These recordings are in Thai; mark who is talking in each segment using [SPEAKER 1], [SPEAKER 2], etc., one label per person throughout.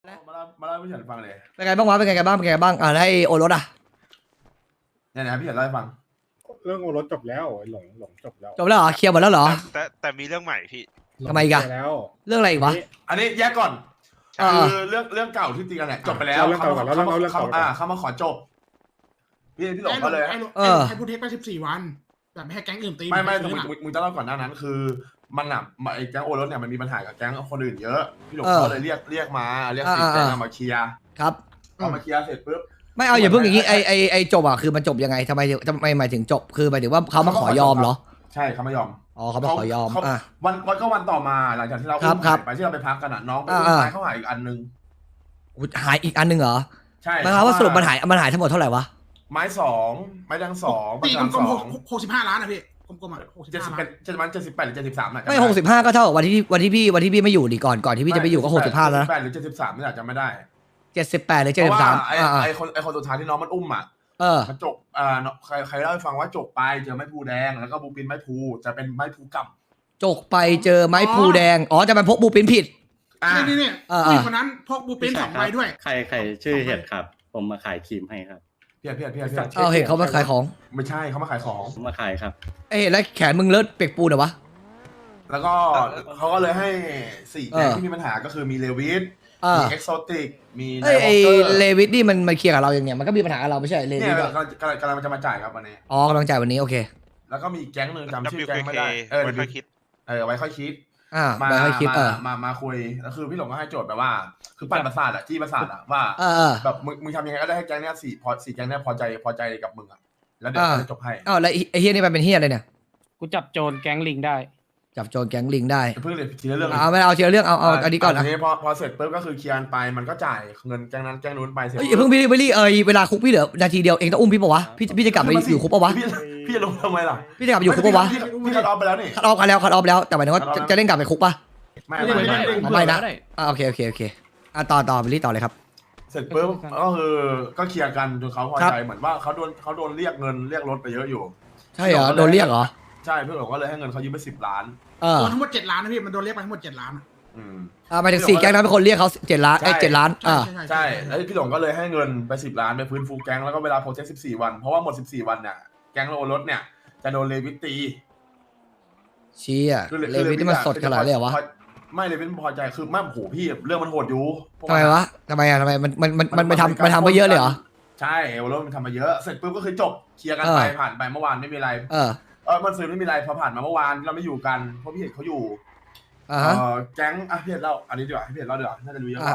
[SPEAKER 1] มาเล่าให้พี่เฉินฟังเลย
[SPEAKER 2] เป็นไงบ้างวะเป็นไงกันบ้างแล้วไอ้โอรสอ่ะ
[SPEAKER 1] เนี่ยนะพี่เฉินเล่าให้ฟัง
[SPEAKER 3] เรื่องโอรสจบแล้วหลงจบแล้ว
[SPEAKER 2] จบแล้วเหรอเคลียร์หมดแล้วเหรอ
[SPEAKER 4] แต่มีเรื่องใหม่พี่
[SPEAKER 2] ทำไมอีกอะ
[SPEAKER 3] เคลียร์แล้ว
[SPEAKER 2] เรื่องอะไรอีกวะ
[SPEAKER 1] อันนี้แยกก่อน
[SPEAKER 2] อ่า
[SPEAKER 1] คือเรื่องเก่าที่ตีกันเนี่ยจบไปแล้ว
[SPEAKER 3] เอาเรื่องเก่าก่อนแล้วเอาเรื่องเก่าก่อน
[SPEAKER 1] เขามาขอจบพี่หลงก็เลย
[SPEAKER 5] ให้พูดเทคไป14 วันแบบไม่ให้แก๊งอื่นตี
[SPEAKER 1] ไม่
[SPEAKER 5] คืนอะ
[SPEAKER 1] มึงจะเล่าก่อนหน้านั้น คือมันอ่ะไอ้แก๊งโอรสเนี่ยมันมีปัญหากับแก๊งคนอื่นเยอะพี่หลงก็เลยเรียกมาเรียกสิแก๊งมาเคลียร์
[SPEAKER 2] ครับ
[SPEAKER 1] พอมาเคลียร์เสร็จปุ๊บ
[SPEAKER 2] ไม่เอาอย่าเพิ่งอย่างงี้ไอ้จบอ่ะคือมันจบยังไงทำไมหมายถึงจบคือหมายถึงว่าเขามาขอยอมเหรอ
[SPEAKER 1] ใช่เขาไม่ยอม
[SPEAKER 2] อ๋อเขามาขอยอมอ่ะ
[SPEAKER 1] วันต่อมาหลังจากที่เรา
[SPEAKER 2] ครับ
[SPEAKER 1] หายไปที่เราไปพักกันอ่ะน้องไปอุ้มไม้เขาหายอีกอันนึง
[SPEAKER 2] อุ๊ยหายอีกอันหนึงเหรอ
[SPEAKER 1] ใช่
[SPEAKER 2] หมายความว่าสรุปมันหายทั้งหมดเท่าไหร่วะ
[SPEAKER 1] ไม้2ไม้ดัง2
[SPEAKER 5] ตี
[SPEAKER 1] ประ
[SPEAKER 5] กล
[SPEAKER 1] จำ
[SPEAKER 5] ม
[SPEAKER 1] 2
[SPEAKER 5] ๆ65 ล้านนะพี่กลมๆอ่ะ65 ล้าน
[SPEAKER 1] 78หรือ73น่ะ
[SPEAKER 2] ไม่65ก็เท่ากับวันที่พี่ไม่อยู่ดิก่อนที่พี่จะไปอยู่ก็65แล้วนะ
[SPEAKER 1] 78หรือ73นี่แหละจำไม่ได้
[SPEAKER 2] 78หรือ
[SPEAKER 1] เพราะว่า
[SPEAKER 2] 73
[SPEAKER 1] ไอ้คนสุดท้ายที่น้องมันอุ้มอ่ะ มันจกใครเล่าให้ฟังว่าจกไปเจอไม้พลูแดงแล้วก็บูปินไม้พลูจะเป็นไม้พลูกำ
[SPEAKER 2] จกไปเจอไม้พลูแดงอ๋อจะมันพกบูปินผิด
[SPEAKER 5] นี่ผู้หญิงคนนั้นพกบูปิน2 ใบด้วย
[SPEAKER 6] ใครชื่อเห็ดครับ ผมมาขายครีมให้ครับ
[SPEAKER 1] เพี้ย
[SPEAKER 2] เอาเห็นเขามาขายของ
[SPEAKER 1] ไม่ใช่เขามาขายของ
[SPEAKER 6] ผมมาขายครับ
[SPEAKER 2] เอ้ยแล้วแขนมึงเลิศเปียกปูนเหรอวะ
[SPEAKER 1] แล้วก็เขาก็เลยให้4แก๊งที่มีปัญหาก็คือมีเลวิสมีเอ็กโซติกมีไน
[SPEAKER 2] เอ้ย
[SPEAKER 1] วอ
[SPEAKER 2] ไอ้
[SPEAKER 1] ลเกอร์
[SPEAKER 2] เลวิสนี่มันเคลียร์กับเราอย่างเนี้ยมันก็มีปัญหากับเราไม่ใช่เล
[SPEAKER 1] เนี่
[SPEAKER 2] วิ
[SPEAKER 1] ย
[SPEAKER 2] สอะ
[SPEAKER 1] กำลังจะมาจ่ายครับวันนี้
[SPEAKER 2] อ๋อกำลังจ่ายวันนี้โอเค
[SPEAKER 1] แล้วก็มีแก๊งหนึ่งจำชื่อแก๊งไม่
[SPEAKER 4] WKK
[SPEAKER 1] ได้
[SPEAKER 4] ไว้ค่อยคิด
[SPEAKER 1] ไว้ค่อยคิด
[SPEAKER 2] ไปให้คิด
[SPEAKER 1] มาคุยแล้วคือพี่หลงก็ให้โจทย์แบบว่า คือปั่นประสาทอะจี้ประสาทอะว่า แบบมึงทำยังไงก็ได้ให้แก๊งเนี้ย4แก๊งเนี้ยพอใจกับมึงอะแล้วเดี๋ยวจะจบให้
[SPEAKER 2] อ้าวแล้วไอ้เฮียนี่มันเป็นเฮียอะไรเนี่ย
[SPEAKER 7] กูจับโจรแก๊งลิงได้
[SPEAKER 2] จับโจรแก๊งลิงได้
[SPEAKER 1] เพิ่งเลยทีละเรื่อง
[SPEAKER 2] เอาไม่เอาทีละเรื่องเอาอันนี้ก่อนนะ
[SPEAKER 1] นี้พอเสร็จปุ๊บก็คือเคลียร์ไปมันก็จ่ายเงินแก๊งนั้นแก๊งนู้นไปเสร็จ
[SPEAKER 2] เฮ้ยอย่าเพิ่งพี่เวลาคุกพี่เหลือนาทีเดียวเองต้องอุ้มพี่ปะวะพี่จะกลับไปอยู่คุกปะวะ
[SPEAKER 1] พี่จะลงทำไมล่ะ
[SPEAKER 2] พี่จะกลับไปอยู่คุกปะวะ
[SPEAKER 1] พี่คัดออฟไปแล้วนี่
[SPEAKER 2] คัดออฟกันแล้วแต่หมายถึงว่าจะเล่นกลับไปคุกปะ
[SPEAKER 1] ไม่
[SPEAKER 2] ไม่นะโอเคต่อไปรีต่อเลยครับ
[SPEAKER 1] เสร็จปุ๊บก็คือก็เคลียร์กันจนเขาพอใจเหมือนว่าเขาโดนเรียกเงินเรียกรถไปเยอะอยู่
[SPEAKER 2] ใช่เหรอโดนเรียกเหรอ
[SPEAKER 1] ใช่พี่หลงก็เลยให้เงินเขายืมไป10 ล้าน
[SPEAKER 5] โดนทั้งหมด7 ล้านนะพี่มันโดนเรียกไปทั้งหมด7 ล้าน
[SPEAKER 2] หมายถึง4แก๊งนั้นเป็นคนเรียกเขา7 ล้าน7 ล้าน
[SPEAKER 1] ใช่แล้วพี่หลงก็เลยให้เงินไป10 ล้านไปฟื้นฟูแก๊งแล้วก็เวลาโปรเจกต์14 วันเพราะว่าหมด14 วันเนี่ยแก๊งโอรสเนี่ยจะโดนเลวิตตี
[SPEAKER 2] เชี่ยเลวิสนี่มันสดขนาดเลยเหรอวะ
[SPEAKER 1] ไม่เลวิสพอใจคือไม่โหพี่เรื่องมันโหดอยู่
[SPEAKER 2] ทำไมวะทำไมมันทำไปเยอะเลยเหรอ
[SPEAKER 1] ใช่โอรสมันทำมาเยอะเสร็จปุ๊บก็คือจบเคลียร์กันไปผ่านไปเมื่อวานไม่มีอะไรมันซื้อไม่มีอะไรพอผ่านมาเมื่อวานเราไม่อยู่กันเพราะพี่เห็นเขาอยู่แก๊งพี่เห็นเล่าอันนี้ดีกว่าพี่เห็นเล่าดีกว่าน่าจะรู้เยอะกว่า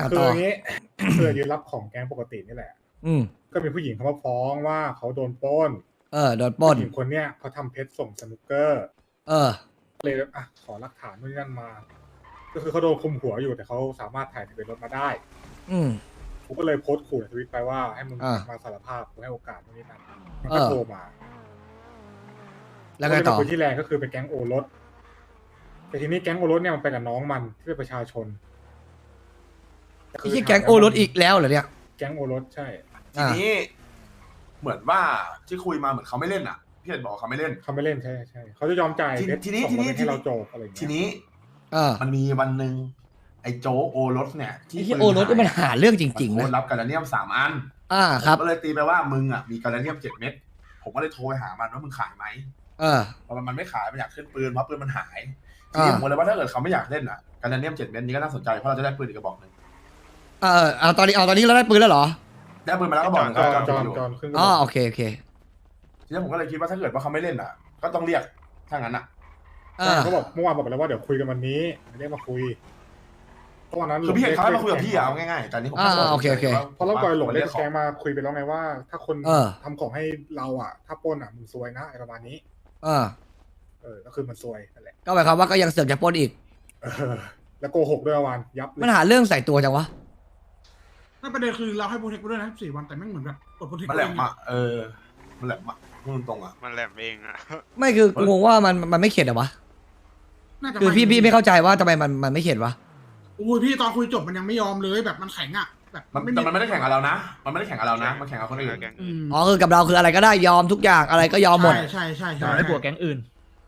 [SPEAKER 3] คืออย่างนี้ คือยืนรับของแก๊งปกตินี่แหละ ก็มีผู้หญิงเขามาฟ้องว่าเขาโดนปล้น
[SPEAKER 2] โดนปล้น
[SPEAKER 3] ผู้หญิงคนเนี้ยเขาทำเพชรส่งสนุกเกอร์เลยขอหลักฐานนู่นนั่นมา ก็คือเขาโดนคุมหัวอยู่แต่เขาสามารถถ่ายทะเบียนรถมาได้ผมก็เลยโพสต์ขู่ในทวิตไปว่าให้มึงมาสารภาพกูให้โอกาสนู่นนี่นั่นมันก็โทรมา
[SPEAKER 2] แล้วก็ต่อ
[SPEAKER 3] คนที่แรงก็คือเป็นแก๊งโอรสแต่ทีนี้แก๊งโอรสเนี่ยมันไปกับน้องมันที่เป็นประชาชน
[SPEAKER 2] ไม่ใช่แก๊งโอรสอีกแล้วเหรอเนี่ย
[SPEAKER 3] แก๊งโอรสใช่
[SPEAKER 1] ทีนี้เหมือนว่าที่คุยมาเหมือนเขาไม่เล่นอ่ะพี่เห็นบอกเขาไม่เล่น
[SPEAKER 3] ใช่เขาจะยอมจ่าย
[SPEAKER 1] ทีนี้
[SPEAKER 3] ให้เราจบอะไรอย่างเงี้ย
[SPEAKER 1] ทีนี้มันมีวันหนึ่งไอ้โจโอรสเนี่ย
[SPEAKER 2] ที่โอรสมันหาเรื่องจริงๆนะ
[SPEAKER 1] รับกาลาเนียม3 อัน
[SPEAKER 2] ครับ
[SPEAKER 1] ก็เลยตีไปว่ามึงอ่ะมีกาลาเนียม7 เม็ดผมก็เลยโทรไปหามันว่ามึงขายไหมพอมันไม่ขายมันอยากขึ้นปืนเพราะปืนมันหายทีนี้ผมเลยว่าถ้าเกิดเขาไม่อยากเล่นอ่ะกาลาเนียม7 เม็ดนี้ก็น่าสนใจเพราะเราจะได้ปืนอีกกระบอกนึง
[SPEAKER 2] ตอนนี้เราได้ปืนแล้วเหรอ
[SPEAKER 1] ได้ปืนมาแล้วก็บอก
[SPEAKER 3] จอนขึ้น
[SPEAKER 2] โอเค
[SPEAKER 1] ทีนี้ผมก็เลยคิดว่าถ้าเกิดว่าเขาไม่เล่นอ่ะก็ต้องเรียกถ้างั้นอ่ะ
[SPEAKER 3] เขาบอกเมื่อวานบอกไปแล้วว่าเดี๋ยวคุยกันวันนี้เรียกมาคุยตอนนั้น
[SPEAKER 1] คือพี่เห็นเขามาคุยกับพี่เอาง่ายๆแต่นี้ผม
[SPEAKER 2] โอเค
[SPEAKER 3] เพราะเราปล่อยหลงเรียกแกงมาคุยไปแล้วไงว่าถ้าคนทำของให้เราอ่ะถ้าปล้นอ่ะมึงซวยนะอะไรประมาณนี้ก็คือมันซวยนั่นแหละ
[SPEAKER 2] ก็หมายความว่าก็ยังเสือกจะปล้นอีก
[SPEAKER 3] แล้วโกหกด้วยวันยับ
[SPEAKER 2] มันหาเรื่องใส่ตัวจังวะ
[SPEAKER 5] นั่นประเด็นคือเราให้โปรเทคด้วยนะ14 วันแต่แม่งเหมือนแบบกดโปรเทค
[SPEAKER 1] มันแหลมอ่ะมันแหลมอ่ะพูดตรงอ่ะ
[SPEAKER 4] มันแหลมเองอ่ะ
[SPEAKER 2] ไม่คือกูงงว่ามันไม่เข็ดเหรอวะคือพี่ไม่เข้าใจว่าทำไมมันไม่เข็ดวะ
[SPEAKER 5] อุ้ยพี่ตอนคุยจบมันยังไม่ยอมเลยแบบมันแข็งอ่ะแบบ
[SPEAKER 1] มันไม่ได้แข่งกับเรานะมันไม่ได้แข่งกับเรานะมันแข่งกับคนอื่น
[SPEAKER 2] คือกับเราคืออะไรก็ได้ยอมทุกอย่างอะไรก็ยอมหมด
[SPEAKER 5] ใช่
[SPEAKER 7] ให้บวกแก๊งอื่น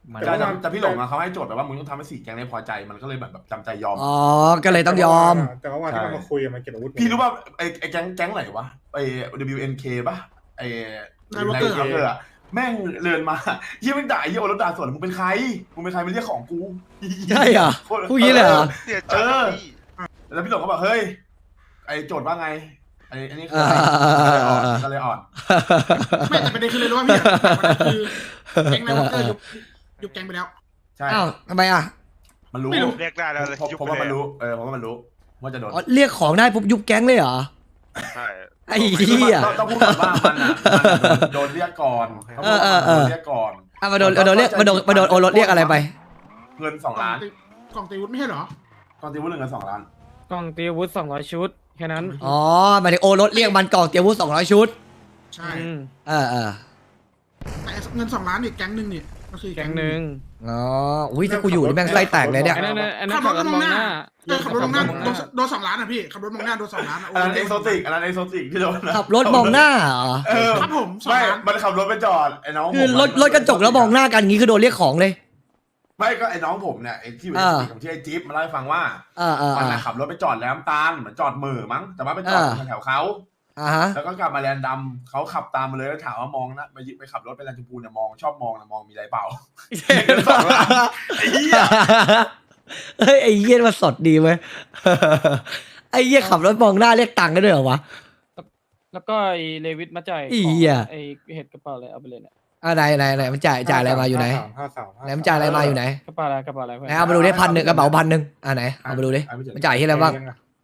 [SPEAKER 1] แต่พี่หลงอะเขาให้โจทย์แบบว่ามึงต้องทำให้4 แก๊งนี้พอใจมันก็เลยแบบจำใจยอม
[SPEAKER 2] อ๋อก็เลยต้องยอม
[SPEAKER 3] แต่ว่าวันที่มันมาคุยมันเก็บอาวุธ
[SPEAKER 1] พี่รู้ป่ะไอ้แก๊งไหนวะไอ้ WNK ป่ะไอ้
[SPEAKER 5] นายวอลเกอร์
[SPEAKER 1] อะแม่งเดินมาเฮียมึงด่าเฮียโอรสด่าสวนมึงเป็นใครมาเรียกของกู
[SPEAKER 2] ใช่เหรอพูดงี้เลยเหรอ
[SPEAKER 4] เสียใจพี่
[SPEAKER 1] แล้วพี่หลงก็บอกเฮ้ยไอ้โจทย์ว่าไงไอ้นี่คือก็เลยอ่อน
[SPEAKER 5] ไม่แต่ประเด็นคือเลยรู้ว่าพี่คือแก๊งนายวอลเกอร์ยุบแก๊งไปแล้ว
[SPEAKER 1] ใช่
[SPEAKER 2] อ้าวทำไมอ่ะ
[SPEAKER 1] มันรู้
[SPEAKER 5] ไม่รู้
[SPEAKER 4] เรียกได้แล้วเลย
[SPEAKER 1] เพราะว่ามันรู้เพราะว่ามันรู้ว่าจะโดน
[SPEAKER 2] อ๋อเรียกของได้ปุ๊บยุบแก๊งเลยเหรอ
[SPEAKER 4] ใช่
[SPEAKER 2] ไอ้เหี้ย
[SPEAKER 1] ต้องพูดก่อนว่ามันโดนเรียกก่อนโดนเรียกก่อน
[SPEAKER 2] อ่ะมาโดนเรียกมาโดนโอรสเรียกอะไรไป
[SPEAKER 1] เงิน2 ล้าน
[SPEAKER 5] กล่องตีวุฒิไม่ใช่เหรอก
[SPEAKER 1] องตีวุฒิเงิน2 ล้าน
[SPEAKER 7] กล่องตีอาวุธ200 ชุด แค่นั้น
[SPEAKER 2] อ๋อหมายถึงโอรสเรียกมันกล่องเตรียมอาวุธ200 ชุด
[SPEAKER 5] ใช่
[SPEAKER 7] อืม
[SPEAKER 2] เออ
[SPEAKER 5] แต่เงิน2 ล้านอีกแก๊งหนึ่งนี่ก็คือ
[SPEAKER 7] แก๊งหนึ่ง
[SPEAKER 2] อ๋ออุ้ยถ้ากูอยู่นี่แม่งไส้แตกเลยเนี่ย
[SPEAKER 7] อันนั้น
[SPEAKER 5] ขับรถ
[SPEAKER 7] ขับรถ
[SPEAKER 5] ม
[SPEAKER 7] ม
[SPEAKER 5] อ
[SPEAKER 7] อง ง
[SPEAKER 5] ห
[SPEAKER 7] ห
[SPEAKER 5] น้า
[SPEAKER 7] น้า
[SPEAKER 5] ขับรถมองหน้าโดน2 ล้านอ่ะพี่ขับรถมองหน้าโดน2 ล้าน
[SPEAKER 1] อันนั้นเอกโซติกที่โดน
[SPEAKER 2] ขับรถมองหน้าเหรอ
[SPEAKER 5] ครับผม2
[SPEAKER 1] ไม่
[SPEAKER 5] ล้าน
[SPEAKER 1] มันขับรถไปจอดไอ้น้อง
[SPEAKER 2] คือรถกระจกแล้วมองหน้ากันงี้คือโดนเรียกของเลย
[SPEAKER 1] ไม่ก็ไอ้น้องผมเนี่ยไอ้ที่อยู่ในสติของที่ไอ้จิ๊บมาเล่าให้ฟังว่า มันขับรถไปจอดแหลมตาลเหมือนจอดมือมั้งแต่ว่าไปจอดแถวเขา
[SPEAKER 2] ฮะ
[SPEAKER 1] แล้วก็กลับมาแลนดำเขาขับตามมาเลยแล้วถามว่ามองนะไปขับรถไปแลนด์ชมพูเนี่ยชอบมองนะมองมีอะไรเปล่าไอ้เหี้ย
[SPEAKER 2] เฮ้ยไอ้เหี้ยมาสดดีเว้ยไอ้เหี้ยขับรถมองหน้าเรียกตังค์กันด้วยเหรอวะ
[SPEAKER 7] แล้วก็ไอ้เลวิสมาจ่าย
[SPEAKER 2] อี
[SPEAKER 7] ของ
[SPEAKER 2] เหี้ย
[SPEAKER 7] ไอ้เห็ดกระเป๋าอะไรเอาไปเลยเนี่ย
[SPEAKER 2] ไหนมันจ่ายอะไรมาอยู่ไหนไหนมันจ่ายอะไรมาอยู่ไหน
[SPEAKER 7] กระเป๋าอะไรเพื่อน
[SPEAKER 2] ไหนเอามาดูดิ1,000กระเป๋า1,000ไหนเอามาดูดิมันจ่ายที่อะไรบ้าง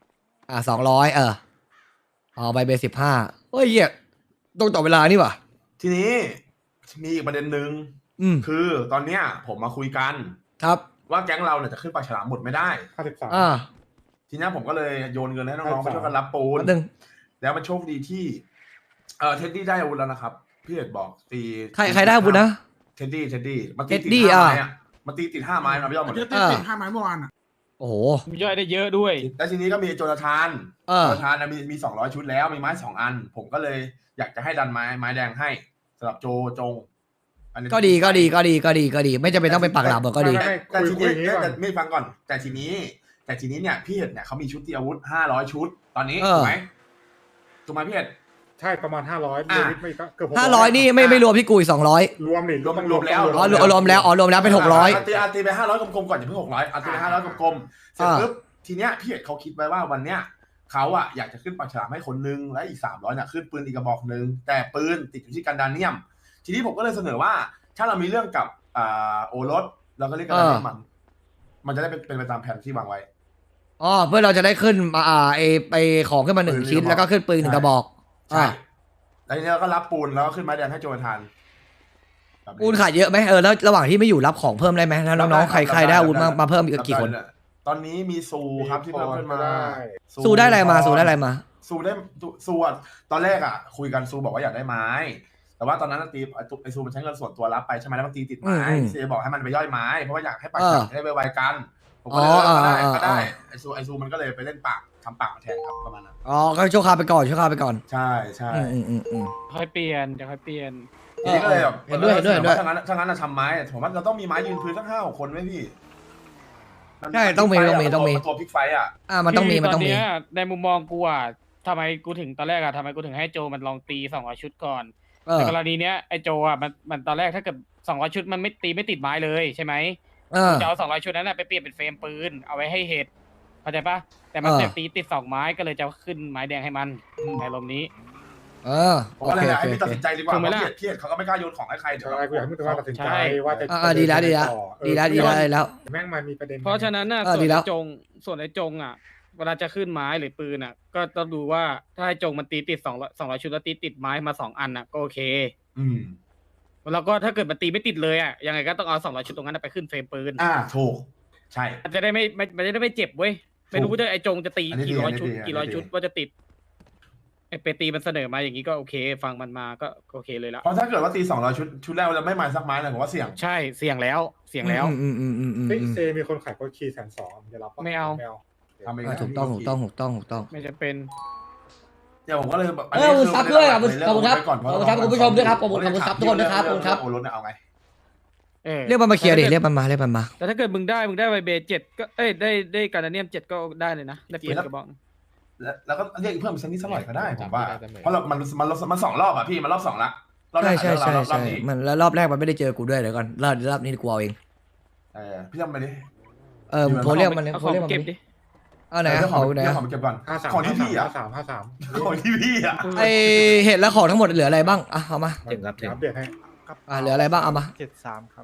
[SPEAKER 2] 200อ๋อใบเบสิบ15เฮ้ยเหี้ยตรงต่อเวลานี่ว่ะ
[SPEAKER 1] ทีนี้มีอีกประเด็นหนึ่งคือตอนเนี้ยผมมาคุยกัน
[SPEAKER 2] ครับ
[SPEAKER 1] ว่าแก๊งเราเนี่ยจะขึ้นปากฉลามหมดไม่ได้ ทีนี้ผมก็เลยโยนเงินให้น้องๆไปช่วยกันรับปูนแล้วมันโชคดีที่เท็ดดี้ได้อาวุธแล้วนะครับพี่เอกบอกตี
[SPEAKER 2] ใครได้อาวุธนะ
[SPEAKER 1] เท็ดดี้มันตี
[SPEAKER 2] เท็ด
[SPEAKER 1] ติ
[SPEAKER 2] ดี้
[SPEAKER 1] ด 5
[SPEAKER 2] อ่ะ
[SPEAKER 1] ไม้อะมันตีติด5 ไม้มาพี่ยอมหมด
[SPEAKER 5] เย
[SPEAKER 1] เล
[SPEAKER 5] อะ
[SPEAKER 1] ย
[SPEAKER 5] ติด5 ไม้เมื่อวานอ่ะ
[SPEAKER 2] โอ้โห
[SPEAKER 7] มีย่อยได้เยอะด้วย
[SPEAKER 1] แล้วทีนี้ก็มีโจนาธานมี200 ชุดแล้วมีไม้2 อันผมก็เลยอยากจะให้ดันไม้แดงให้สำหรับโจง
[SPEAKER 2] ก็ดีไม่จำเป็นต้องเป็นปากหลาบก็ดี
[SPEAKER 1] แต่ทีนี้ไม่ฟังก่อนแต่ทีนี้เนี่ยพี่เห็ดเนี่ยเขามีชุดตีอาวุธ500 ชุดตอนนี้ถูกไหมพี่เห็ด
[SPEAKER 3] ใช่ประมาณ500เลวิทไม่เกือบ
[SPEAKER 2] 500นี่ไม่รวมพี่กุย200
[SPEAKER 3] รวมดิ
[SPEAKER 1] รวมแล้ว
[SPEAKER 2] รวมแล้วเป็น600
[SPEAKER 1] ตีไป500กลมๆก่อนอย่าเพิ่ง600ตีไป500กลมๆเสร็จปุ๊บทีเนี้ยพี่เห็ดเขาคิดไว้ว่าวันเนี้ยเขาอะอยากจะขึ้นปากฉลามให้คนนึงและอีก300เนี่ยขึ้นปืนอีกกระบอกนึงแต่ปืนติดอยู่ที่กันดาเนียมทีนี้ผมก็เลยเสนอว่าถ้าเรามีเรื่องกับโอรสเราก็เรียกกันดาเนียมมันจะได้เป็นไปตามแผนที่วางไว้
[SPEAKER 2] เพื่อเราจะได้ขึ้นไปของขึ้นมา1 ชิ้นแล้วก็ขึ้นปืน1 กระบอก
[SPEAKER 1] ใช่แล้วทีนี้เราก็รับปูนแล้วก็ขึ้นไม้แดงให้โจนาธาน
[SPEAKER 2] ปูนขาดเยอะไหมแล้วระหว่างที่ไม่อยู่รับของเพิ่มได้ไหมแล้วน้องๆใครได้อาวุธมาเพิ่มอีกกี่คน
[SPEAKER 1] ตอนนี้มีซูครับที่เพิ่มขึ้นมา
[SPEAKER 2] ซูได้อะไรมา
[SPEAKER 1] ซูตอนแรกอ่ะคุยกันซูบอกว่าอยากได้ไม้แต่ว่าตอนนั้นตีไอซูมันใช้เงินส่วนตัวรับไปใช่ไหมแล้วมันตีติดไม้เซบอกให้มันไปย่อยไม้เพราะว่าอยากให้ปากฉลามได้ไวๆกันผมก็เลยก็ได้ไอซูมันก็เลยไปเล่นปากทำปากมาแทนครับประมาณนั้น
[SPEAKER 2] ก็ชั่วคราวไปก่อน
[SPEAKER 1] ใช่
[SPEAKER 7] ค่อยเปลี่ยน
[SPEAKER 1] ทีนี้ก็เลยแบบ
[SPEAKER 2] เห็นด้วย
[SPEAKER 1] ถ้างั้นทำไม้ผมว่าเราต้องมีไม้ยืนพื้นสัก5-6 คนไหมพี่
[SPEAKER 2] ใช่ต้องมี
[SPEAKER 1] ตัวพลิกไฟอ่ะ
[SPEAKER 2] มันต้องมี
[SPEAKER 7] ตอนนี้ในมุมมองกูอ่ะทำไมกูถึงตอนแรกอ่ะทำไมกูถึงให้โจมันลองตี200 ชุดก่อนในกรณีเนี้ยไอโจอ่ะมันตอนแรกถ้าเกิด200 ชุดมันไม่ตีไม่ติดไม้เลยใช่ไหมจะเอา200 ชุดนั้นไปเปลี่ยนเป็นเฟรมปืนเอาไว้ให้เห็ดเข้าใจปะแต่มันตีติด2 ไม้ก็เลยจะขึ้นไม้แดงให้มันในลมนี้
[SPEAKER 1] ผมก็เลยให้พี่ตัดสินใจดีกว่าเพราะพี่เขาก็ไม่กล้าโยนของให้ใครเดี๋ยว
[SPEAKER 3] กูอยากให้มึงตัดสินใจว่าจะ
[SPEAKER 2] ดีแล้ว
[SPEAKER 3] แม่งมันมีประเด็น
[SPEAKER 7] เพราะฉะนั้นน่ะส่วนไอ้จงอ่ะเวลาจะขึ้นไม้หรือปืนอ่ะก็ต้องดูว่าถ้าไอ้จงมันตีติด200 ชุดแล้วตีติดไม้มา2 อันอ่ะก็โอเคแล้วก็ถ้าเกิดมันตีไม่ติดเลยอ่ะยังไงก็ต้องเอา200 ชุดตรงนั้นไปขึ้นเฟรมปืน
[SPEAKER 1] ถูกใช่
[SPEAKER 7] จะได้ไม่เจ็บเว้ยไม่รู้ว่าไอ้จงจะตีกี่ร้อยชุดว่าจะติดไอ้เปตีมันเสนอมาอย่างนี้ก็โอเคฟังมันมาก็โอเคเลยละ
[SPEAKER 1] เพราะถ้าเกิดว่าตี200 ชุดแรกแล้วไม่มาสักไม้เลยผมว่าเสี่ยง
[SPEAKER 7] ใช่เสี่ยงแล้วเ
[SPEAKER 3] เซมีคนขายโคชี120,000จะรับ
[SPEAKER 7] ไม่เอา
[SPEAKER 2] ถูกต้อง
[SPEAKER 7] ไม่จะเป็น
[SPEAKER 1] เดี๋ยวผมก็เลยแบบ
[SPEAKER 2] ซับด้วยขอบคุณครับคุณผู้ชมด้วยครับขอบคุณซับทุกคนด้วยครับขอบคุณครับ
[SPEAKER 1] โอรสเนี่ยเอาไง
[SPEAKER 2] เรียกมันมาเคลียร์ดิเรียกมันมา
[SPEAKER 7] แต่ถ้าเกิดมึงได้ไวเบ7ก็ได้การเนียม7ก็ได้เลยนะได้ปืนกระบอก
[SPEAKER 1] แล้วก็เรียกเพิ่มสักนิดสักหน่อยก็ได้ผมว่าเพราะมัน2 รอบอ่ะพี่มันรอบ 2ละรอบแรก
[SPEAKER 2] ใช่
[SPEAKER 1] รอบนี้
[SPEAKER 2] มันแล้วรอบแรกมันไม่ได้เจอกูด้วยเดี๋ยวก่อนรอบนี้กูเอาเอง
[SPEAKER 1] พี่ทำไปดิ
[SPEAKER 2] โทรเรียกมัน
[SPEAKER 7] เอาของเก็บดิ
[SPEAKER 2] เอาไหนของไหน
[SPEAKER 1] ของเก็บก่อน
[SPEAKER 3] 53
[SPEAKER 1] ของที่พี่อ่ะ
[SPEAKER 3] 53
[SPEAKER 1] ของที่พี่อ่ะ
[SPEAKER 2] ไอเห็ดแล้วของทั้งหมดเหลืออะไรบ้างอ่ะเอามา
[SPEAKER 3] ถึงครับอัปเดตให้
[SPEAKER 2] เหลืออะไรบ้างเอามา
[SPEAKER 8] 73 ครับ